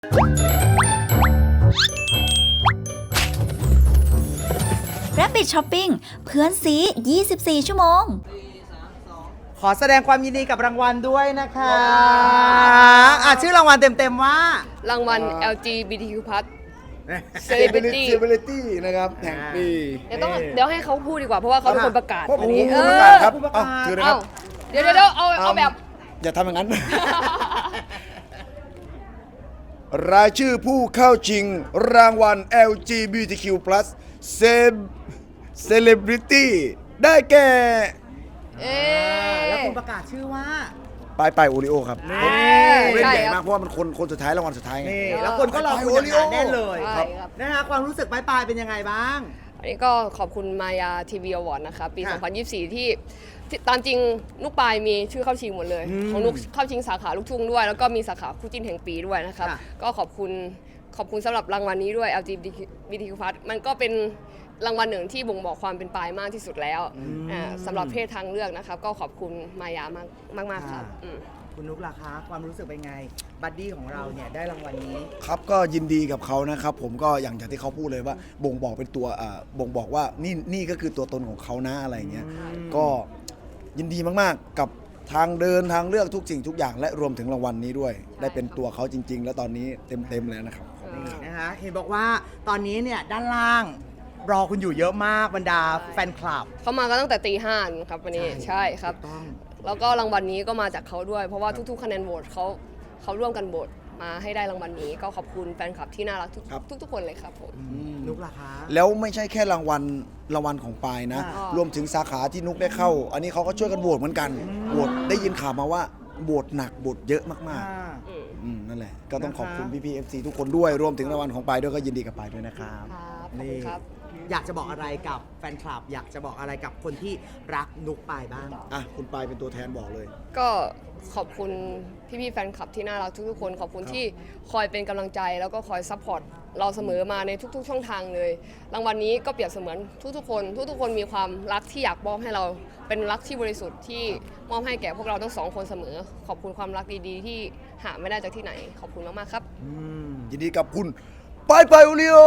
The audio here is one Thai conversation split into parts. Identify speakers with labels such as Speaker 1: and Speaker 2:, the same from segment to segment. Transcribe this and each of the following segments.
Speaker 1: Rabbit Shopping เพื่อนซี24 ชั่วโมง
Speaker 2: ขอแสดงความยินดีกับรางวัลด้วยนะคะชื่อรางวัลเต็มๆว่าร
Speaker 3: างวัล LGBTQ+
Speaker 4: Celebrity นะครับแห่งปี
Speaker 3: เดี๋ยวให้เขาพูดดีกว่าเพราะว่าเขาเป็นคนประกาศ
Speaker 4: ผม
Speaker 3: อันนี้
Speaker 4: ผู้ประกาศครับถือนะครับ
Speaker 3: เดี๋ยวเอาแบบ
Speaker 4: อย่าทำอย่างนั้น รายชื่อผู้เข้าชิงรางวัล LGBTQ+ Celebrity ได้แก่
Speaker 2: แล้วคุณประกาศชื่อว่า
Speaker 4: ไปโอริโอครับผมเล่นใหญ่มากเพราะว่ามันคนสุดท้ายรางวัลสุดท้ายไง
Speaker 2: แล้วคนก็รอคุณอย่างหนาแน่นเลย
Speaker 3: ใช่ครับ
Speaker 2: นะคะความรู้สึกปลายเป็นยังไงบ้าง
Speaker 3: อันนี้ก็ขอบคุณมายาทีวีอวอร์ดนะคะปี 2024 ที่ตามจริงนุกปายมีชื่อเข้าชิงหมดเลยของนุกเข้าชิงสาขาลูกทุ่งด้วยแล้วก็มีสาขาคู่จิ้นแห่งปีด้วยนะครับก็ขอบคุณสำหรับรางวัลนี้ด้วย LGBTQ+ มันก็เป็นรางวัลหนึ่งที่บ่งบอกความเป็นปายมากที่สุดแล้วสำหรับเพศทางเลือกนะครับก็ขอบคุณมายามากครับ
Speaker 2: คุณนุกล่ะคะความรู้สึกเป็นไงบัดดี้ของเราเนี่ยได้รางวัลนี้
Speaker 4: ครับก็ยินดีกับเขานะครับผมก็อย่างที่เขาพูดเลยว่าบ่งบอกเป็นตัวบ่งบอกว่านี่ก็คือตัวตนของเขานะอะไรเงี้ยก็ยินดีมากๆกับทางเดินทางเลือกทุกสิ่งทุกอย่างและรวมถึงรางวัลนี้ด้วยได้เป็นตัวเขาจริงๆแล้วตอนนี้เต็มแล้วนะครับ
Speaker 2: นี่นะคะเห็นบอกว่าตอนนี้เนี่ยด้านล่างรอคุณอยู่เยอะมากบรรดาแฟนคลับ
Speaker 3: เขามากันตั้งแต่ตี 5ครับวันนี้ใช่ครับแล้วก็รางวัลนี้ก็มาจากเขาด้วยเพราะว่าทุกๆคะแนนโหวตเขาร่วมกันโหวตมาให้ได้รางวัลนี้ก็ขอบคุณแฟนคลับที่น่ารักทุกคนเลยครับผม
Speaker 2: นุกล่ะคะ
Speaker 4: แล้วไม่ใช่แค่รางวัลของปายนะรวมถึงสาขาที่นุกได้เข้าอันนี้เขาก็ช่วยกันโหวตเหมือนกันโหวตได้ยินข่าวมาว่าโหวตหนักโหวตเยอะมากๆนั่นแหละก็ต้องขอบคุณพี่ๆ FC ทุกคนด้วยรวมถึงรางวัลของปายด้วยก็ยินดีกับปายด้วยนะครับ
Speaker 3: นี่ครับ
Speaker 2: อยากจะบอกอะไรกับแฟนคลับอยากจะบอกอะไรกับคนที่รักนุกปายบ้าง
Speaker 4: คุณปายเป็นตัวแทนบอกเลย
Speaker 3: ก็ขอบคุณพี่ๆแฟนคลับที่น่ารักทุกๆคนขอบคุณที่คอยเป็นกำลังใจแล้วก็คอยซัพพอร์ตเราเสมอมาในทุกๆช่องทางเลยรางวัลนี้ก็เปรียบเสมือนทุกคนมีความรักที่อยากมอบให้เราเป็นรักที่บริสุทธิ์ที่มอบให้แก่พวกเราทั้งสองคนเสมอขอบคุณความรักดีๆที่หาไม่ได้จากที่ไหนขอบคุณมากๆครับ
Speaker 4: ยินดีกับคุณไปโอริโอ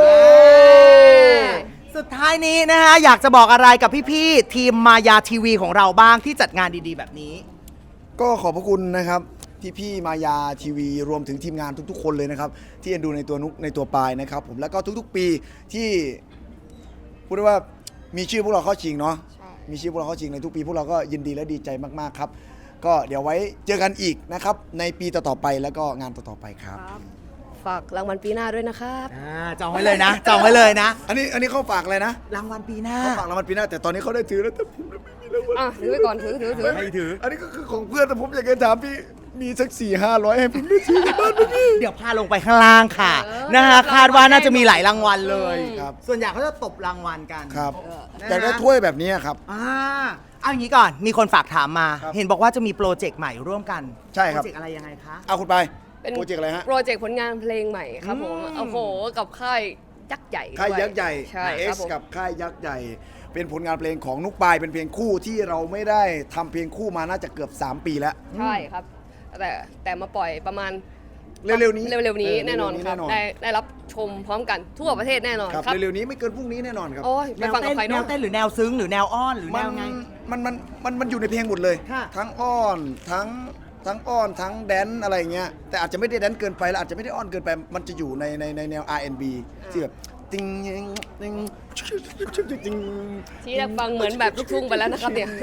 Speaker 2: สุดท้ายนี้นะคะอยากจะบอกอะไรกับพี่ๆทีมมายาทีวีของเราบ้างที่จัดงานดีๆแบบนี้
Speaker 4: ก็ขอบพระคุณนะครับพี่มายาทีวีรวมถึงทีมงานทุกๆคนเลยนะครับที่เอ็นดูในตัวนุกในตัวปายนะครับผมแล้วก็ทุกๆปีที่พูดได้ว่ามีชื่อพวกเราเข้าชิงเนาะมีชื่อพวกเราเข้าชิงในทุกปีพวกเราก็ยินดีและดีใจมากๆครับก็เดี๋ยวไว้เจอกันอีกนะครับในปีต่อๆไปแล้วก็งานต่อๆไปครับ
Speaker 3: ฝากรางวัลปีหน้าด้วยนะครับ
Speaker 2: จองไว้เลยนะจองไว้เลยนะ
Speaker 4: อันนี้เขาฝากอะไรนะ
Speaker 2: รางวัลปีหน้า
Speaker 4: เขาฝากรางวัลปีหน้าแต่ตอนนี้เขาได้ถือแล้วแต่ผมไม่มีรางวัล
Speaker 3: ถือไปก่อนถือ
Speaker 2: ให้ถือ
Speaker 4: อันนี้ก็คือของเพื่อนแต่ผมอยากจะถามพี่มีสัก400-500ให้ผมได้ซื้อบ้านพี่
Speaker 2: เดี๋ยวพาลงไปข้างล่างค่ะนะคะคาดว่าน่าจะมีหลายรางวัลเลยส่วนใหญ่เขาจะตบรางวัลกัน
Speaker 4: ครับอยากได้ถ้วยแบบนี้ครับ
Speaker 2: เอาอย่างนี้ก่อนมีคนฝากถามมาเห็นบอกว่าจะมีโปรเจกต์ใหม่ร่วมกัน
Speaker 4: ใช่ครับ
Speaker 2: โปรเจกต์อะไรยังไงคะ
Speaker 4: เอาคุณไปโปรเจกต์อะไรฮะ
Speaker 3: โปรเจกต์ผลงานเพลงใหม่ครับผมโอ้โหกับค่ายยักษ์ใหญ่
Speaker 4: ค่ายยักษ์ใหญ่
Speaker 3: ใช่ครับ
Speaker 4: กับค่ายยักษ์ใหญ่เป็นผลงานเพลงของนุกปายเป็นเพลงคู่ที่เราไม่ได้ทำเพลงคู่มาน่าจะเกือบ3 ปีแล้ว
Speaker 3: ใช่ครับแต่มาปล่อยประมาณ
Speaker 4: เร็วๆนี้
Speaker 3: แน่นอนครับได้รับชมพร้อมกันทั่วประเทศแน่นอนครับ
Speaker 4: เร็วๆนี้ไม่เกินพรุ่งนี้แน่นอนครับ
Speaker 3: ไปฟังกับใคร
Speaker 2: แนวเต้นหรือแนวซึ้งหรือแนวอ้อนหรือแนวไง
Speaker 4: มันอยู่ในเพลงหมดเลยทั้งอ้อนทั้งอ้อนทั้งแดนอะไรเงี้ยแต่อาจจะไม่ได้แดนเกินไปแล้วอาจจะไม่ได้อ้อนเกินไปมันจะอยู่ในแนว R&B ที่แบบติงติง
Speaker 3: ที่ฟังเหมือนแบบลูกทุ่งไปแล้วนะครับเนี่ย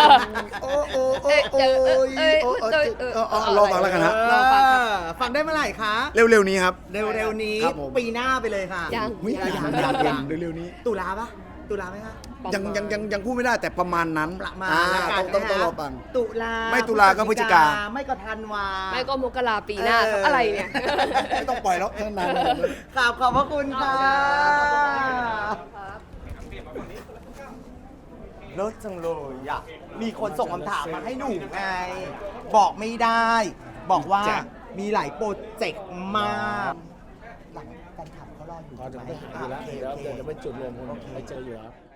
Speaker 4: รอฟังแล้วกันฮะ
Speaker 2: ฟังได้เมื่อไหร่คะ
Speaker 4: เร็วๆนี้ครับ
Speaker 2: เร็วๆนี้ปีหน้าไปเลยค่ะ
Speaker 3: ยัง
Speaker 4: เร็วๆนี้
Speaker 2: ตุลาไหมคะ
Speaker 4: ยังพูดไม่ได้แต่ประมาณนั้นต้องรอฟัง
Speaker 2: ตุลา
Speaker 4: ไม่ตุลาก็พฤศจิกา
Speaker 2: ไม่ก็ธันวา
Speaker 3: ไม่ก็มกราปีหน้าอะไรเนี่ย
Speaker 4: ไม่ต้องปล่อยแล้วนาน
Speaker 2: ขอบพระคุณค่ะรถจังเลยอ่ะมีคนส่งคำถามมาให้หนูไงบอกไม่ได้บอกว่ามีหลายโปรเจกต์มากหลังการขับเขารออยู่
Speaker 5: ไหมเดี๋ยวเป็นจุดรวมคนไปเจออยู่แล้ว